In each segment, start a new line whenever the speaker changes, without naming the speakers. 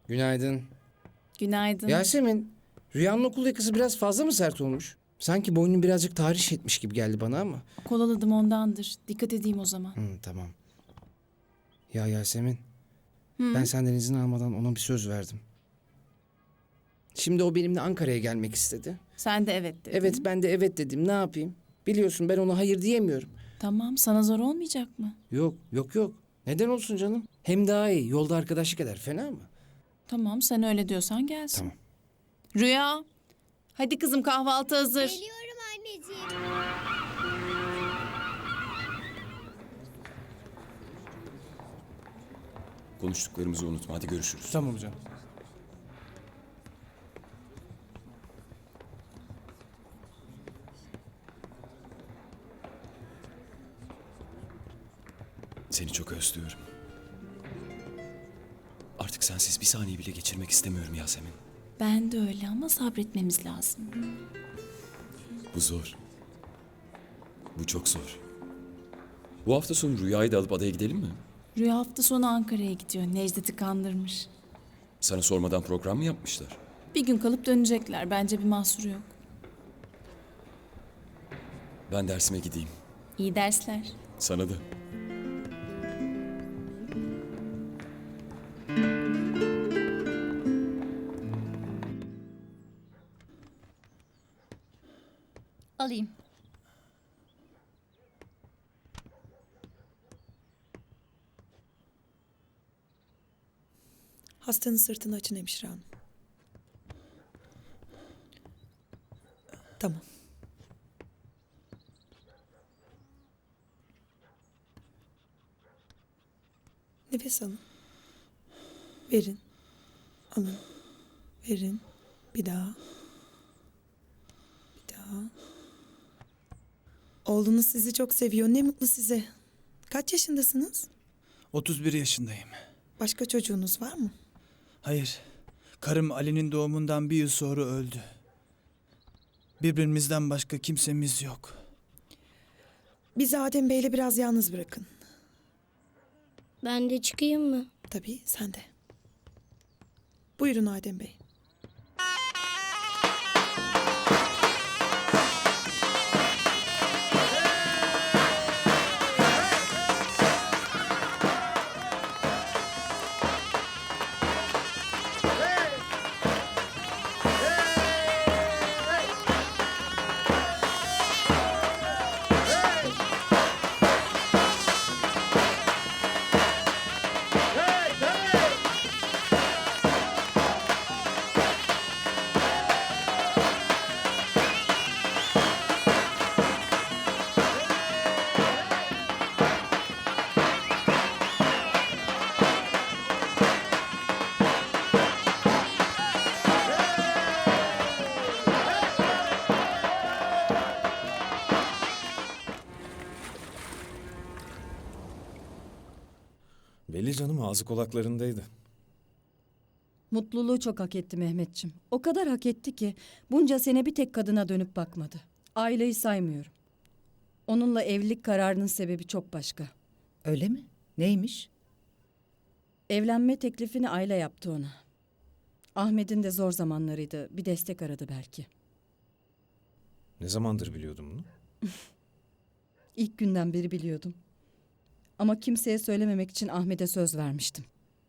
Günaydın.
Günaydın.
Yasemin, Rüya'nın okul yakası biraz fazla mı sert olmuş? Sanki boynun birazcık tahriş etmiş gibi geldi bana ama.
Kolaladım ondandır. Dikkat edeyim o zaman.
Tamam. Ya Yasemin,
Hı?
ben senden izin almadan ona bir söz verdim. Şimdi o benimle Ankara'ya gelmek istedi.
Sen de evet dedin.
Evet, ben de evet dedim. Ne yapayım? Biliyorsun ben ona hayır diyemiyorum.
Tamam, sana zor olmayacak mı?
Yok. Neden olsun canım? Hem daha iyi. Yolda arkadaşlık eder. Fena mı?
Tamam, sen öyle diyorsan gelsin.
Tamam.
Rüya, hadi kızım kahvaltı hazır.
Geliyorum anneciğim.
Konuştuklarımızı unutma. Hadi görüşürüz.
Tamam canım.
Seni çok özlüyorum. Artık sensiz bir saniye bile geçirmek istemiyorum Yasemin.
Ben de öyle ama sabretmemiz lazım.
Bu zor. Bu çok zor. Bu hafta sonu Rüya'yı da alıp adaya gidelim mi?
Rüya hafta sonu Ankara'ya gidiyor. Necdet'i kandırmış.
Sana sormadan program mı yapmışlar?
Bir gün kalıp dönecekler. Bence bir mahsuru yok.
Ben dersime gideyim.
İyi dersler.
Sana da.
Alayım.
Hastanın sırtını açın hemşire hanım. Tamam. Nefes alın. Verin. Alın. Verin. Bir daha. Bir daha. Oğlunuz sizi çok seviyor. Ne mutlu size. Kaç yaşındasınız?
31 yaşındayım.
Başka çocuğunuz var mı?
Hayır, karım Ali'nin doğumundan bir yıl sonra öldü. Birbirimizden başka kimsemiz yok.
Bizi Adem Bey'le biraz yalnız bırakın.
Ben de çıkayım mı?
Tabii sen de. Buyurun Adem Bey.
Belli canım, ağzı kulaklarındaydı.
Mutluluğu çok hak etti Mehmetçim. O kadar hak etti ki bunca sene bir tek kadına dönüp bakmadı. Aileyi saymıyorum. Onunla evlilik kararının sebebi çok başka.
Öyle mi? Neymiş?
Evlenme teklifini Ayla yaptı ona. Ahmet'in de zor zamanlarıydı. Bir destek aradı belki.
Ne zamandır biliyordum bunu?
İlk günden beri biliyordum. Ama kimseye söylememek için Ahmet'e söz vermiştim.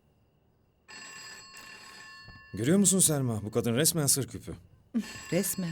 Görüyor musun Selma? Bu kadın resmen sır küpü.
Resmen.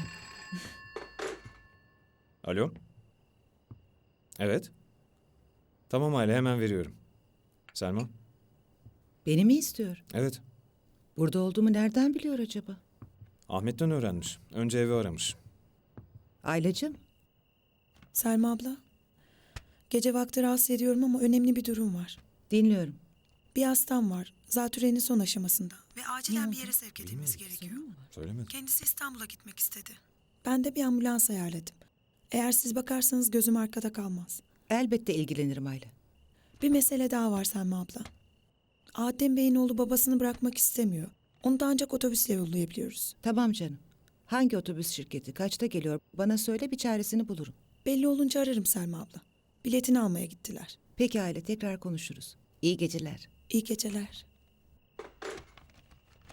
Alo? Evet. Tamam Aile, hemen veriyorum. Selma?
Beni mi istiyor?
Evet.
Burada olduğumu nereden biliyor acaba?
Ahmet'ten öğrenmiş. Önce evi aramış.
Ailacığım,
Selma abla. Gece vakti rahatsız ediyorum ama önemli bir durum var.
dinliyorum.
Bir hastam var. Zatürrenin son aşamasında. Ve acilen bir yere sevk edilmesi gerekiyor.
Söylemedim.
Kendisi İstanbul'a gitmek istedi. Ben de bir ambulans ayarladım. Eğer siz bakarsanız gözüm arkada kalmaz.
Elbette ilgilenirim Ayla.
Bir mesele daha var Selma abla. Adem Bey'in oğlu babasını bırakmak istemiyor. Onu da ancak otobüsle yollayabiliyoruz.
Tamam canım. Hangi otobüs şirketi, kaçta geliyor? Bana söyle, bir çaresini bulurum.
Belli olunca ararım Selma abla. Biletini almaya gittiler.
Peki Aile, tekrar konuşuruz. İyi geceler.
İyi geceler.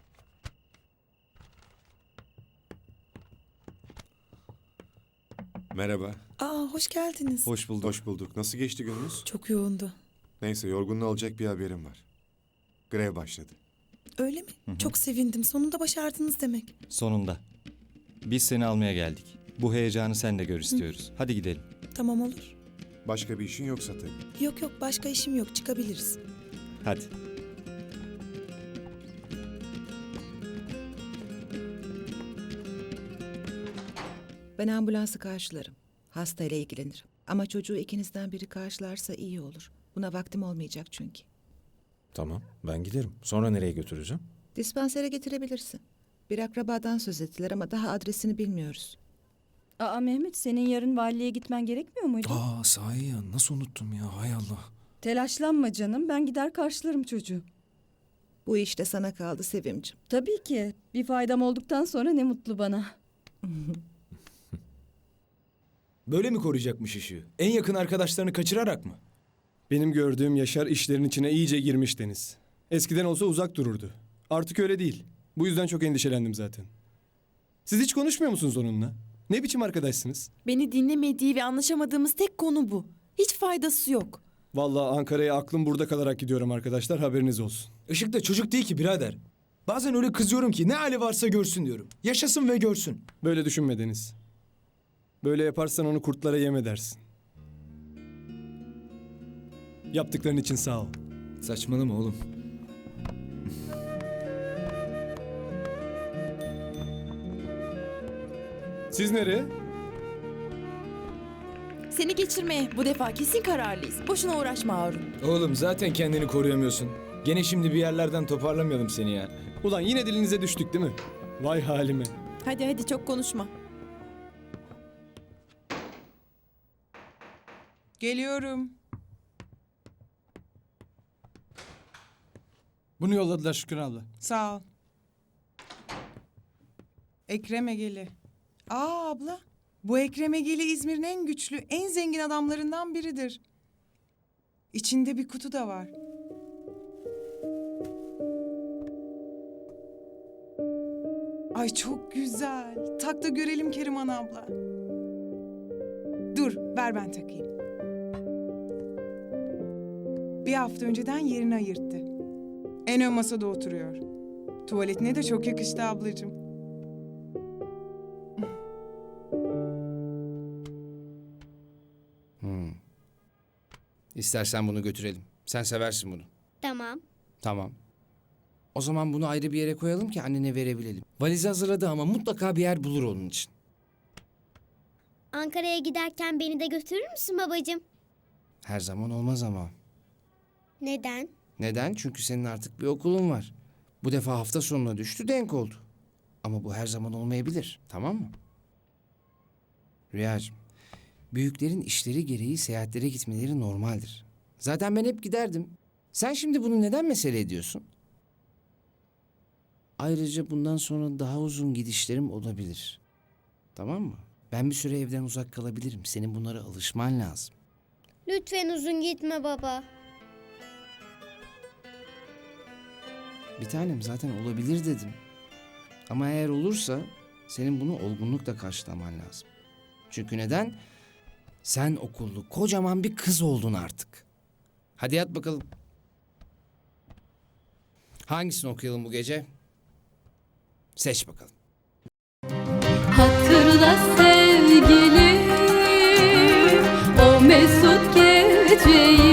Merhaba.
Aa, hoş geldiniz.
Hoş bulduk.
Hoş bulduk. Nasıl geçti gününüz?
Çok yoğundu.
Neyse yorgunluğu alacak bir haberim var. Grev başladı.
Öyle mi? Çok sevindim. Sonunda başardınız demek.
Sonunda. Biz seni almaya geldik. Bu heyecanı sen de gör istiyoruz. Hadi gidelim.
Tamam olur.
Başka bir işin yoksa tabii.
Yok yok, başka işim yok. Çıkabiliriz.
Hadi.
Ben ambulansı karşılarım. Hastayla ilgilenirim. Ama çocuğu ikinizden biri karşılarsa iyi olur. Buna vaktim olmayacak çünkü.
Tamam, ben giderim. Sonra nereye götüreceğim?
Dispansere getirebilirsin. Bir akrabadan söz ettiler ama daha adresini bilmiyoruz.
Aa Mehmet, senin yarın valiliğe gitmen gerekmiyor muydu?
Aa, sahi ya. Nasıl unuttum ya? Hay Allah.
Telaşlanma canım, ben gider karşılarım çocuğu.
Bu işte sana kaldı Sevimcim.
Tabii ki. Bir faydam olduktan sonra ne mutlu bana.
Böyle mi koruyacakmış ışığı? En yakın arkadaşlarını kaçırarak mı?
Benim gördüğüm Yaşar işlerin içine iyice girmiş Deniz. Eskiden olsa uzak dururdu. Artık öyle değil. Bu yüzden çok endişelendim zaten. Siz hiç konuşmuyor musunuz onunla? Ne biçim arkadaşsınız?
Beni dinlemediği ve anlaşamadığımız tek konu bu. Hiç faydası yok.
Vallahi Ankara'ya aklım burada kalarak gidiyorum arkadaşlar, haberiniz olsun.
Işık da çocuk değil ki birader. Bazen öyle kızıyorum ki ne hali varsa görsün diyorum. Yaşasın ve görsün.
Böyle düşünme Deniz. Böyle yaparsan onu kurtlara yem edersin. Yaptıkların için sağ ol.
Saçmalama oğlum.
Siz nereye?
Seni geçirmeye bu defa kesin kararlıyız. Boşuna uğraşma Harun.
Oğlum zaten kendini koruyamıyorsun. Gene şimdi bir yerlerden toparlamayalım seni ya.
Ulan yine dilinize düştük değil mi? Vay halime.
Hadi hadi çok konuşma.
Geliyorum.
Bunu yolladılar Şükran abla.
Sağ ol. Ekrem Egeli. Aa abla. Bu Ekrem Egeli İzmir'in en güçlü, en zengin adamlarından biridir. İçinde bir kutu da var. Ay çok güzel. Tak da görelim Keriman abla. Dur, ver ben takayım. Bir hafta önceden yerini ayırttı. En ön masada oturuyor. Tuvaletine de çok yakıştı ablacığım.
İstersen bunu götürelim. Sen seversin bunu.
Tamam.
Tamam. O zaman bunu ayrı bir yere koyalım ki annene verebilelim. Valizi hazırladı ama mutlaka bir yer bulur onun için.
Ankara'ya giderken beni de götürür müsün babacığım?
Her zaman olmaz ama.
Neden?
Neden? Çünkü senin artık bir okulun var. Bu defa hafta sonuna düştü, denk oldu. Ama bu her zaman olmayabilir, tamam mı? Rüyacığım, büyüklerin işleri gereği seyahatlere gitmeleri normaldir. Zaten ben hep giderdim. Sen şimdi bunu neden mesele ediyorsun? Ayrıca bundan sonra daha uzun gidişlerim olabilir. Tamam mı? Ben bir süre evden uzak kalabilirim. Senin bunlara alışman lazım.
Lütfen uzun gitme baba.
Bir tanem zaten olabilir dedim. Ama eğer olursa senin bunu olgunlukla karşılaman lazım. Çünkü neden? Sen okullu kocaman bir kız oldun artık. Hadi yat bakalım. Hangisini okuyalım bu gece? Seç bakalım.
Hatırla sevgilim, o mesut geceyi.